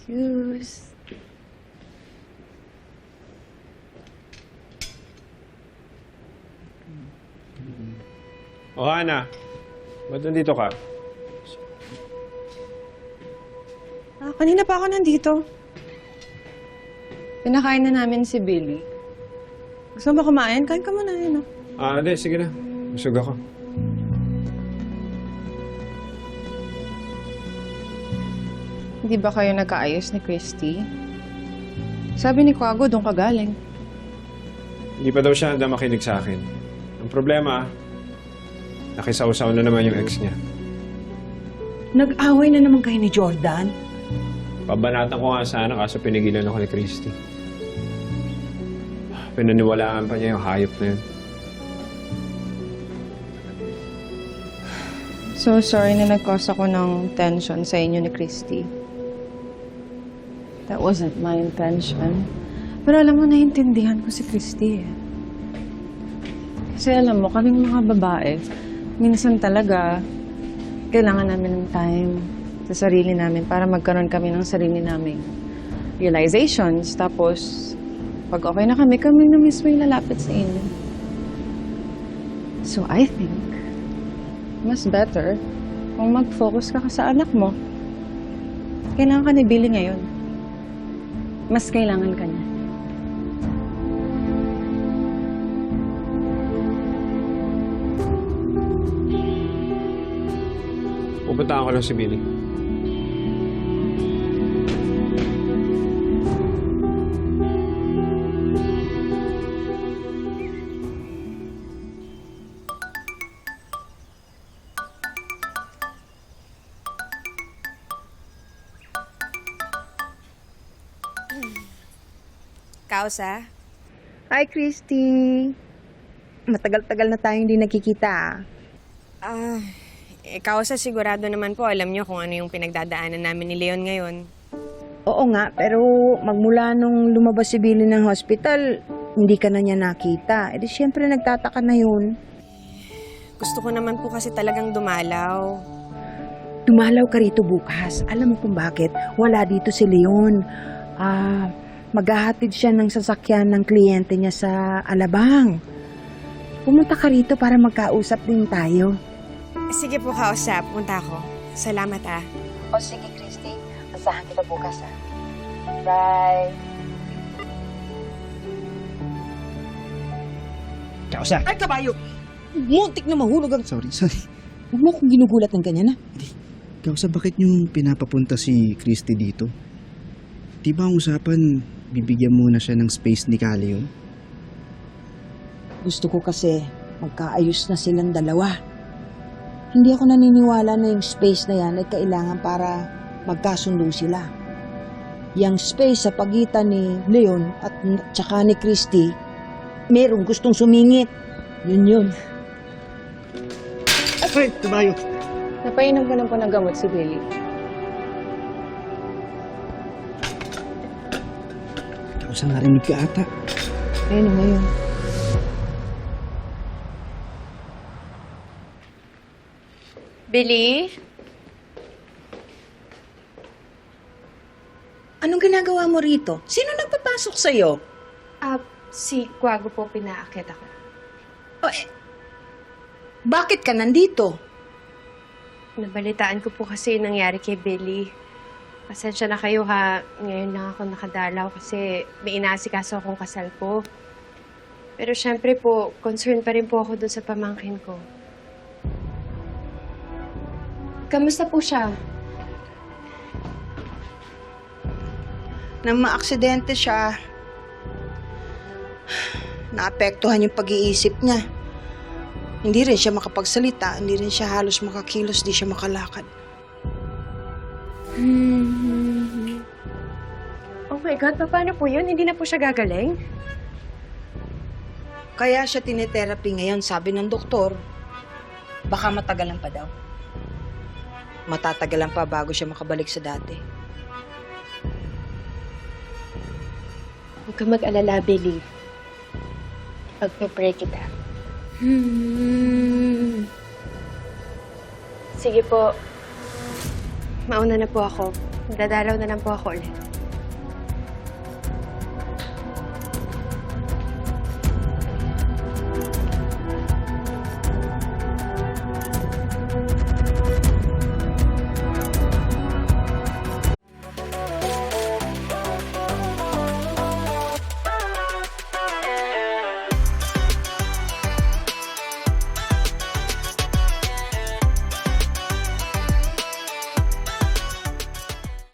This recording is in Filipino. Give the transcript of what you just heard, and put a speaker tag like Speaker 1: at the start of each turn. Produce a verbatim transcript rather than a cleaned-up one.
Speaker 1: Juice.
Speaker 2: O, Ana. Ba't nandito ka?
Speaker 1: Ah, kanina pa ako nandito. Pinakain na namin si Billy. Gusto mo ba kumain? Kain ka muna yun, no?
Speaker 2: Ah, hindi. Sige na. Busog ako.
Speaker 1: Hindi ba kayo nagkaayos ni Christy? Sabi ni Kwago, doon ka galing.
Speaker 2: Hindi pa daw siya handa makinig sa akin. Ang problema, nakisausaw na naman yung ex niya.
Speaker 3: Nag-away na naman kayo ni Jordan.
Speaker 2: Pabanatan ko nga sana kaso pinigilan ako ni Christy. Pinaniwalaan pa niya yung hayop na yun.
Speaker 1: So sorry na nag-cause ako ng tension sa inyo ni Christy. That wasn't my intention. Pero alam mo, naiintindihan ko si Christy eh. Kasi alam mo, kaming mga babae, minsan talaga, kailangan namin ng time sa sarili namin para magkaroon kami ng sarili naming realizations. Tapos, pag okay na kami, kami na mismo yung lalapit sa inyo. So I think, mas better kung mag-focus ka sa anak mo. Kailangan ka ni Billy ngayon. Mas kailangan ka niya.
Speaker 2: Pupuntahan ko lang si Billy.
Speaker 4: Kausa?
Speaker 3: Hi, Christy. Matagal-tagal na tayong hindi nakikita.
Speaker 4: Ah, eh, Kausa, sigurado naman po alam niyo kung ano yung pinagdadaanan namin ni Leon ngayon.
Speaker 3: Oo nga, pero magmula nung lumabas si Billy ng hospital, hindi ka na niya nakita. E di syempre nagtataka na yun.
Speaker 4: Gusto ko naman po kasi talagang dumalaw.
Speaker 3: Dumalaw ka rito bukas. Alam mo kung bakit? Wala dito si Leon. Ah, maghahatid siya ng sasakyan ng kliyente niya sa Alabang. Pumunta ka rito para magkausap din tayo.
Speaker 4: Sige po, Kausa. Punta ako. Salamat ah.
Speaker 3: O sige, Christy. Asahan kita bukas, ha? Bye.
Speaker 5: Kausa!
Speaker 3: Ay, kabayo! Muntik na mahulog ang...
Speaker 5: Sorry, sorry.
Speaker 3: Huwag mo akong ginugulat ng ganyan, ha?
Speaker 5: Kausa, bakit nyo pinapapunta si Christy dito? Di ba ang usapan, bibigyan muna siya ng space ni Calio?
Speaker 3: Gusto ko kasi magkaayos na silang dalawa. Hindi ako naniniwala na yung space na yan ay kailangan para magkasundo sila. Yung space sa pagitan ni Leon at tsaka ni Christy, merong gustong sumingit. Yun yun.
Speaker 5: Ay, tabayo!
Speaker 1: Napainom ko na po ng gamot si Billy.
Speaker 5: Kausa, narinig ka ata.
Speaker 3: Ayun mo yun.
Speaker 1: Billy?
Speaker 3: Anong ginagawa mo rito? Sino nagpapasok sa'yo?
Speaker 6: Ah, si Kwago po pinaakit ako.
Speaker 3: O, eh, bakit ka nandito?
Speaker 6: Nabalitaan ko po kasi yung nangyari kay Billy. Pasensya na kayo ha. Ngayon lang ako nakadalaw kasi may inaasikaso akong kasal ko. Pero syempre po, concerned pa rin po ako dun sa pamangkin ko. Kamusta po siya?
Speaker 3: Nang maaksidente siya, naapektuhan yung pag-iisip niya. Hindi rin siya makapagsalita, hindi rin siya halos makakilos, di siya makalakad.
Speaker 6: Hmm. Oh my God, paano po yun? Hindi na po siya gagaling?
Speaker 3: Kaya siya tinetherapy ngayon, sabi ng doktor, baka matagalan pa daw. Matatagalan pa bago siya makabalik sa dati.
Speaker 6: Huwag ka mag-alala, Billy. Pag-pray kita. Hmm. Sige po. Mauna na po ako. Dadalaw na lang po ako ulit.